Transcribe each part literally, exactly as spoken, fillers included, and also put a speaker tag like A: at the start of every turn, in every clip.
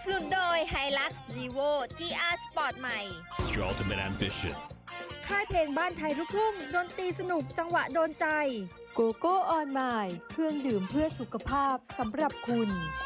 A: สนุนโดย Hilux Levo จี อาร์ Sport ใหม่
B: It's your ultimate ambition.
C: ค่ายเพลงบ้านไทยลูกทุ่งดนตรีสนุกจังหวะโดนใจโกโก้ออนไมล์เครื่องดื่มเพื่อสุขภาพสำหรับคุณ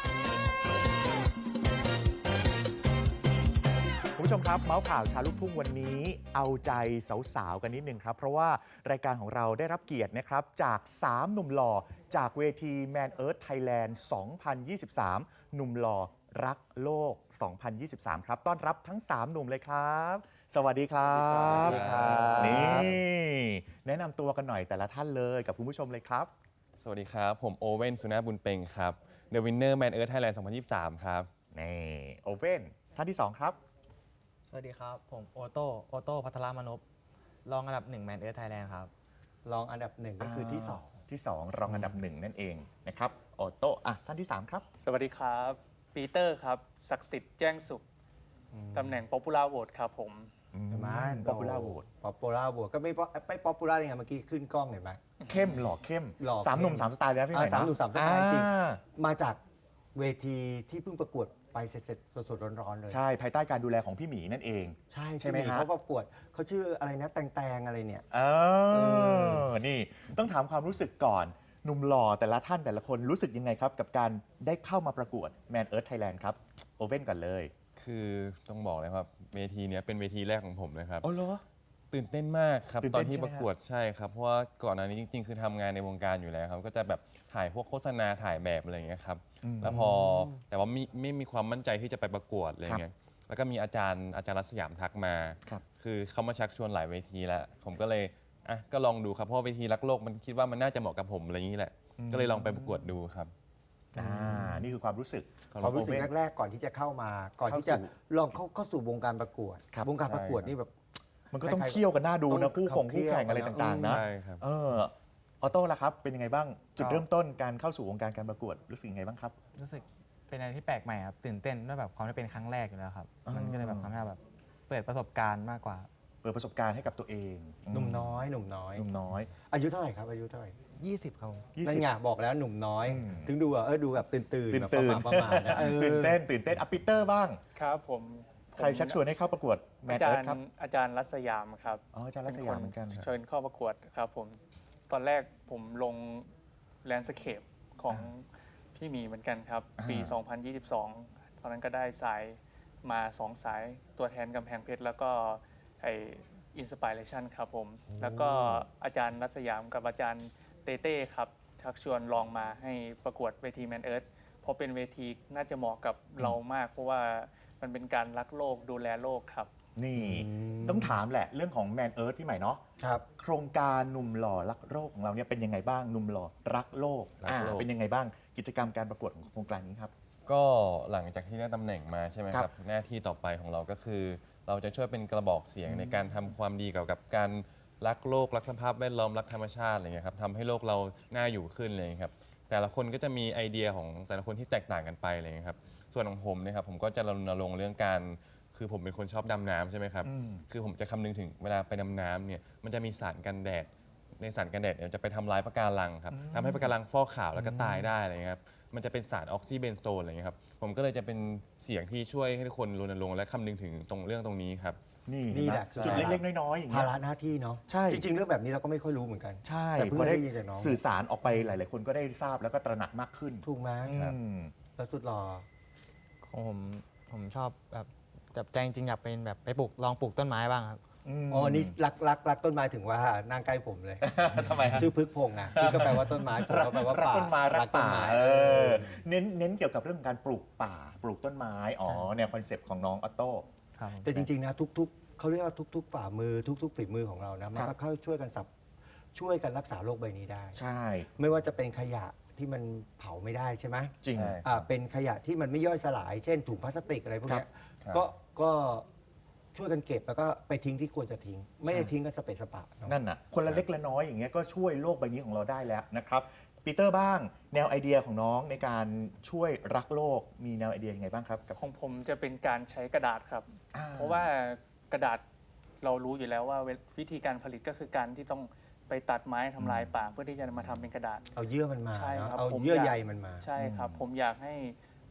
D: คุณผู้ชมครับเมาส์ข่าวชาลูกทุ่งวันนี้เอาใจสาวๆกันนิดนึงครับเพราะว่ารายการของเราได้รับเกียรตินะครับจากสามหนุ่มหล่อจากเวที Man Earth Thailand สองพันยี่สิบสาม หนุ่มหล่อรักโลก สองพันยี่สิบสาม ครับต้อนรับทั้งสามหนุ่มเลยครับ สวัสดีครับนี่แนะนำตัวกันหน่อยแต่ละท่านเลยกับคุณผู้ชมเลยครับ
E: สวัสดีครับผมโอเว่นสุนาบุญเปงครับ The Winner Man Earth Thailand สองพันยี่สิบสาม ครับ
D: นี่โอเว่นท่านที่สองครับ
F: สวัสดีครับผมโอโต้โอโต้พัทรมนพรองอันดับหนึ่งแมนเอิร์ธไทยแลนด์ครับ
G: รองอันดับหนึ่งก็คือที่สอง
D: ที่สองรองอันดับหนึ่งนั่นเองนะครับออโต้อ่ะท่านที่สามครับ
H: สวัสดีครับปีเตอร์ครับศักดิ์สิทธิ์แจ้งสุขตำแหน่ง Popular Vote ครับผม
G: มา
D: ป๊อปปูล่าโหวต
G: ป๊อปปูล่าโหวตก็ไม่ไม่ป๊อปปูล่ายังไงเมื่อกี้ขึ้นกล้องเห็นไหม
D: เข้มหล่อเข้ม
G: หล่อ
D: สามหนุ่มสามสไตล์เลยนะพี่ใหม่
G: อ่าสามหนุ่มสามสไตล์จริง
D: อ่า
G: มาจากเวทีที่เพิ่งประกวดไปเสร็จๆสดๆร้อนๆเลย
D: ใช่ภายใต้การดูแลของพี่หมีนั่นเอง
G: ใช่
D: ใช่ไหมฮะ
G: เขาประกวดเขาชื่ออะไรนะแตงแตงอะไรเนี่ย
D: เออนี่ต้องถามความรู้สึกก่อนหนุ่มหล่อแต่ละท่านแต่ละคนรู้สึกยังไงครับ กับการได้เข้ามาประกวด Man Earth Thailand ครับโอเว่นก่อนเลย
E: คือต้องบอกเลยครับเวทีเนี้ยเป็นเวทีแรกของผมเลยครับ
D: อ๋อเหรอ
E: ตื่นเต้นมากครับ
D: ตื่น
E: ตอ
D: เต้น
E: นที่
D: ใช่ไหม
E: ประกวดใช่ครับเพราะว่าก่อนหน้านี้จริงๆ คือทำงานในวงการอยู่แล้วครับก็จะแบบถ่ายพวกโฆษณาถ่ายแบบอะไรอย่างเงี้ยครับแล้วพอแต่ว่าไม่ไม่มีความมั่นใจที่จะไปประกวดอะไรอย่างเงี้ยแล้วก็มีอาจารย์อาจารย์รัศยามทักมา
D: ครับ
E: คือเขามาชักชวนหลายเวทีแล้วผมก็เลยอ่ะก็ลองดูครับเพราะว่าเวทีรักโลกมันคิดว่ามันน่าจะเหมาะกับผมอะไรอย่างนี้แหละก็เลยลองไปประกวดดูครับ
D: อ่านี่คือความรู้สึก
G: ความรู้สึกแรกๆก่อนที่จะเข้ามาก่อนที่จะ
D: เข้าสู่
G: ลองเข้าเข้าสู่วงการประกวด
D: ครับ
G: วงการประกวดนี่แบบ
D: มันก็ต้อง
G: ใครๆ
D: เคี่ยวกันหน้าดู
G: ต้
D: นะ
G: อง
D: คู่คง
G: ขับ
D: คู่แข่งอะไร
G: เคี่ยวกัน
D: ต่างๆนะ
E: ใช่ครับ
D: เออออโต้ล่ะครับเป็นยังไงบ้างจุดเริ่มต้นการเข้าสู่วงการการประกวดรู้สึกยังไงบ้างครับ
F: รู้สึกเป็นอะไรที่แปลกใหม่ครับตื่นเต้นด้วยแบบความที่เป็นครั้งแรกอยู่แล้วครับ
D: อ๋อ
F: มันก็เลยแบบทำให้เราแบบเปิดประสบการณ์มากกว่า
D: เปิดประสบการณ์ให้กับตัวเอง
G: หนุ่มน้อยหนุ่มน้อย
D: หนุ่มน้อย
G: อายุเท่าไหร่ครับอายุเท่าไหร่
F: ยี่สิบครับผม
D: ยี่
G: นั่
D: สิ
G: น
D: บ
G: ไงบอกแล้วหนุ่มน้อย
D: อืม
G: ถึงดูอ่ะเออดูแบบตื่นตื่น
D: ตื่น
G: แบบ
D: ตื่น
G: ประมาณๆนะเออ
D: ตื่นเต้นตื่นเต้นอ่ะปีเตอร์บ้าง
H: ครับผม
D: ใครชักชวนให้เข้าประกวดแม
H: อาน
D: เอิ
H: จาร
D: ร์ธ
H: ย์
D: ครับ
H: อาจารย์รัศยามครับ
D: อ๋ออาจารย์รัศยามเหมือนกัน
H: เชิญเข้าประกวดครับผมตอนแรกผมลงแลนด์สเคปของพี่หมีเหมือนกันครับ ปี
D: อ่า
H: สองพันยี่สิบสอง ตอนนั้นก็ได้สายมาสองสายตัวแทนกำแพงเพชรแล้วก็ไออินสปิเรชันครับผม แล้วก็อาจารย์รัศยามกับอาจารย์เต้เต้ครับชักชวนลองมาให้ประกวดเวทีแมนเอิร์ธเพราะเป็นเวทีน่าจะเหมาะกับเรามาก เพราะว่ามันเป็นการรักโลกดูแลโลกครับ
D: นี่ต้องถามแหละเรื่องของแมนเอิร์ธพี่ใหม่เนาะ
G: ครับ
D: โครงการหนุ่มหล่อรักโลกของเราเนี่ยเป็นยังไงบ้างหนุ่มหล่อรักโลก
E: รักโลก
D: อ่าเป็นยังไงบ้างกิจกรรมการประกวดของโครงการนี้ครับ
E: ก็หลังจากที่ได้ตำแหน่งมาใช่ไหม
D: ค
E: ค
D: รั
E: รับ บหน้าที่ต่อไปของเราก็คือ เราจะช่วยเป็นกระบอกเสียงในการทำความดีเกี่ยวกับการรักโลกรักสภาพแวดล้อมรักธรรมชาติอะไรเงี้ยครับทำให้โลกเราน่าอยู่ขึ้นเลยครับแต่ละคนก็จะมีไอเดียของแต่ละคนที่แตกต่างกันไปอะไรเงี้ยครับส่วนของผมเนะครับผมก็จะรณรงค์เรื่องการคือผมเป็นคนชอบดำน้ำใช่ไหมครับ
D: อืม
E: คือผมจะคำนึงถึงเวลาไปดำน้ำเนี่ยมันจะมีสารกันแดดในสารกันแดดเนี่ยจะไปทำลายปะการังครับทำให้ปะการังฟอกขาวแล้วก็ตายได้อะไรเงี้ยครับมันจะเป็นสารออกซิเบนโซนอะไรเงี้ยครับผมก็เลยจะเป็นเสียงที่ช่วยให้ทุกคนรณรงค์และคำนึงถึงตรงเรื่องตรงนี้ครับ
D: นี่
G: นี่
D: เห็นไหม
G: แหละ
D: จุดเล็กๆน้อยๆอย่าง
G: ภา
D: เงี้ย
G: ระหน้าที่เนาะ
D: ใช่
G: จริง ๆ เรื่องแบบนี้เราก็ไม่ค่อยรู้เหมือนกัน
D: ใช่
G: แต่เพิ่ง
D: พอ
G: ได้ยินจากน้อง
D: สื่อสารออกไปหลาย ๆ คนก็ได้ทราบแล้วก็ตระหนักมากขึ้น
G: ถูกไหม
D: อืม
G: แล้วสุดหล่อ
F: ของผมผมชอบแบบแต่ใจจริงๆอยากเป็นแบบไปปลูกลองปลูกต้นไม้บ้างครับ
G: อ๋อนี่รักรักรักต้นไม้ถึงว่านั่งใกล้ผมเลย
D: ทำไมฮะ
G: ชื่อพึกพงษ์นะที่ก็แปลว่าต้นไม้ผมก็แปลว่า
D: รัก
G: ป่า
D: ต้นไม้รัก
G: ต้น
D: ป่า
G: ไม้
D: เออเน้นเน้นเกี่ยวกับเรื่องของการปลูกป่า ปลูกต้นไม้อ๋อแนวคอนเซปต์ของน้องออโต้
F: ครับผม
G: แต่จริง ๆ นะทุก ๆเขาเรียกว่าทุก ๆ ฝ่ามือทุก ๆ ฝีมือของเรานะมัน
D: ครั
G: ก็
D: บ
G: เข้าช่วยกันสับช่วยกันรักษาโลกใบนี้ได้
D: ใช่
G: ไม่ว่าจะเป็นขยะที่มันเผาไม่ได้ใช่ไหม
D: จริง
E: ใช่
G: อ่าเป็นขยะที่มันไม่ย่อยสลาย เช่นถุงพลาสติกอะไรพวกเนี้ย
E: ครับ
G: ก็ก็ช่วยกันเก็บแล้วก็ไปทิ้งที่ควรจะทิ้ง ไม่ได้ทิ้งกันสเปซสปะเนอะ
D: นั่นน่ะคนละเล็กละน้อยอย่างเงี้ยก็ช่วยโลกใบนี้ของเราได้แล้วนะครับปีเตอร์บ้างแนวไอเดียของน้องในการช่วยรักโลกมีแนวไอเดียยังไงบ้างครับกับ
H: ของผมจะเป็นการใช้กระดาษครับ
D: อ่
H: เพราะว่ากระดาษเรารู้อยู่แล้วว่าวิธีการผลิตก็คือการที่ต้องไปตัดไม้ทำลายป่าเพื่อที่จะมาทำเป็นกระดาษ
G: เอาเยื่อมันมา
H: ใช่
G: เนอะ
H: ครับ
G: เอา
H: ผม
G: เยื่อ
H: อยาก
G: ใยมันมา
H: ใช่ครับ ผมอยากให้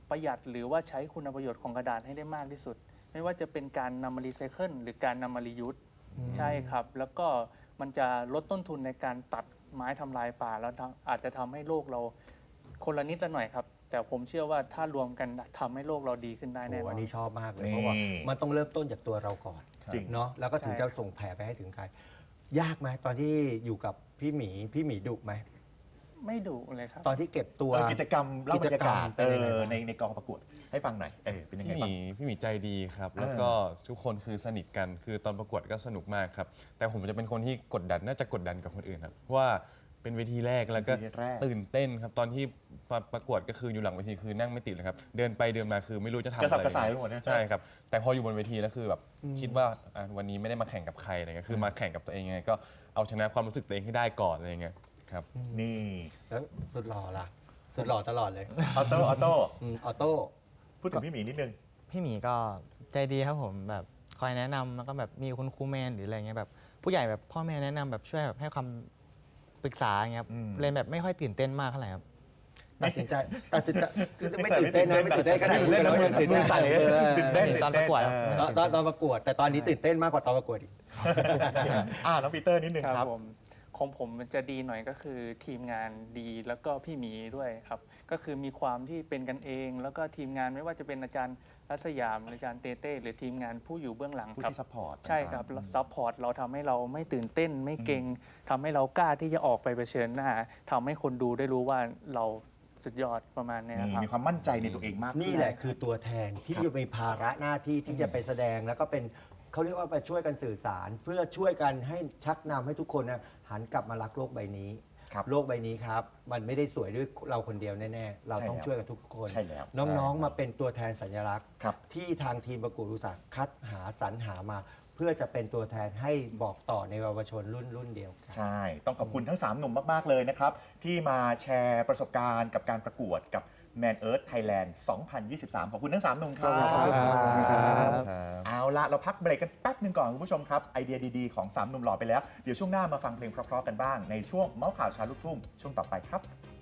H: ประหยัดหรือว่าใช้คุณประโยชน์ของกระดาษให้ได้มากที่สุด ไม่ว่าจะเป็นการนำมารีไซเคิลหรือการนำมารียูสใช่ครับ แล้วก็มันจะลดต้นทุนในการตัดไม้ทำลายป่า แล้วทำอาจจะทำให้โลกเราคนละนิดละหน่อยครับ แต่ผมเชื่อว่าถ้ารวมกันทำให้โลกเราดีขึ้นได้แน่น
G: โอ้
H: อ
G: อั
H: น
G: นนี้ชอบมากเลย
D: นี่
G: เพราะว่ามันต้องเริ่มต้นจากตัวเราก่อน
D: จริง
G: เนาะแล้วก็ถึง
H: ใช่
G: จะส่งแผ่ไปให้ถึงใคร ยากไหมตอนที่อยู่กับพี่หมีพี่หมีดุไหม
H: ไม่ดุเลยครับ
G: ตอนที่เก็บตัว
D: เออกิจกรรมเล่าบรรยากาศ
G: กิจกรรมเป็
D: เอน
G: ยังไง
D: อ
G: บ้าง
D: ในในกองประกวดให้ฟังหน่อยเออเป็นยังไง
E: พี่ห
D: บ้าง
E: มีพี่หมีใจดีครับ
D: เออ
E: แล้วก็ทุกคนคือสนิทกันคือตอนประกวดก็สนุกมากครับ แต่ผมจะเป็นคนที่กดดันน่าจะกดดันกับคนอื่นครับเพราะว่าเป็นเวทีแรกแล้วก็
D: เวทีแรก
E: ตื่นเต้นครับตอนที่ประประกวดก็คืออยู่หลังเวทีคือนั่งไม่ติดเลยครับเดินไปเดินมาคือไม่รู้จะทำ
D: กระสับ
E: อะไร
D: กระส่ายไปหมดนะ
E: ใช่ครับแต่พออยู่บนเวทีแล้วคือแบบคิดว่าอ่ะวันนี้ไม่ได้มาแข่งกับใครอะไรเงี้ยคือมาแข่งกับตัวเองยังไงก็เอาชนะความรู้สึกตัวเองให้ได้ก่อนอะไรเงี้ยครับ
D: นี่
G: แล้วสุดหล่อล่ะ สุดหล่อตลอดเลย
D: ออโต้ออโต้
G: อืมออโต้
D: พูดถึงพี่หมีนิดนึง
F: พี่หมีก็ใจดีครับผมแบบคอยแนะนำแล้วก็แบบมีคุณครูแมนหรืออะไรเงี้ยแบบผู้ใหญ่แบบพ่อแม่แนะนำแบบช่วยแบบให้คำปรึกษาอย่างเงี้ยครับ
D: อืม
F: เลยแบบไม่ค่อยตื่นเต้นมากเท่าไหร่ครับ
G: ตัดสินใจตัดสินใจไม่ตื่นเต้นนะไม่ตื่นเต้นขนาด
D: ตื่นเต้นนะ
G: มือตื่น
D: มื
G: เต้
D: อน สั่นเลย
G: เออ
D: ตื่นเต้น
F: ตอนประกวด
D: เออ
G: ตอนตอนตอนประกวด แต่ตอนนี้ตื่นเต้นมากกว่าตอนประกวดอีก
D: อ่าน้องปีเตอร์นิดนึง
H: ค
D: ค
H: รั
D: รั
H: บบ ผมของผมมันจะดีหน่อยก็คือทีมงานดีแล้วก็พี่หมีด้วยครับ ก็คือมีความที่เป็นกันเอง แล้วก็ทีมงานไม่ว่าจะเป็นอาจารย์รัศยามอาจารย์เต้เต้หรือทีมงานผู้อยู่เบื้องหลัง
D: ผู้
H: ครับ
D: ที่ซัพพอร์ต
H: ใช่ครับซัพพอร์ตเราทำให้เราไม่ตื่นเต้นไม่เกรงทำให้เรากล้าที่จะออกไปเผชิญหน้าทำให้คนดูได้รู้ว่าเราสุดยอดประมาณเนี้ย
D: นี่
H: ครับ
D: มีความมั่นใจในตัวเองมากขึ้
G: นี่แหละคือตัวแทนที่จะมีภาระหน้าที่ที่จะไปแสดงแล้วก็เป็นเขาเรียกว่าไปช่วยกันสื่อสาร เพื่อช่วยกันให้ชักนำให้ทุกคนนะหันกลับมารักโลกใบนี้
D: ครับ
G: โลกใบนี้ครับ มันไม่ได้สวยด้วยเราคนเดียวแน่ๆ เราต้อง
D: ใช่แล้ว
G: ช่วยกันทุกคน
D: ใช่แล้ว
G: น้องๆมาเป็นตัวแทนสัญลักษณ์
D: ครับ
G: ที่ทางทีมประกวดอุตสาหคัดหาสรรหามา เพื่อจะเป็นตัวแทนให้บอกต่อในเยาวชนรุ่นรุ่นเดียวกัน
D: ใช่ ต้องขอบคุณทั้ง สาม หนุ่มมาก ๆ เลยนะครับ ที่มาแชร์ประสบการณ์กับการประกวดกับ Man Earth Thailand สองพันยี่สิบสาม ขอบคุณทั้ง สาม หนุ่มครับ
G: ขอบคุณครับ
D: เอาละเราพักเบรกกันแป๊บหนึ่งก่อนคุณผู้ชมครับ ไอเดียดี ๆ ของ สาม หนุ่มหล่อไปแล้ว เดี๋ยวช่วงหน้ามาฟังเพลงเพราะ ๆ กันบ้าง ในช่วงเมาส์ข่าวเชาลูกทุ่งช่วงต่อไปครับ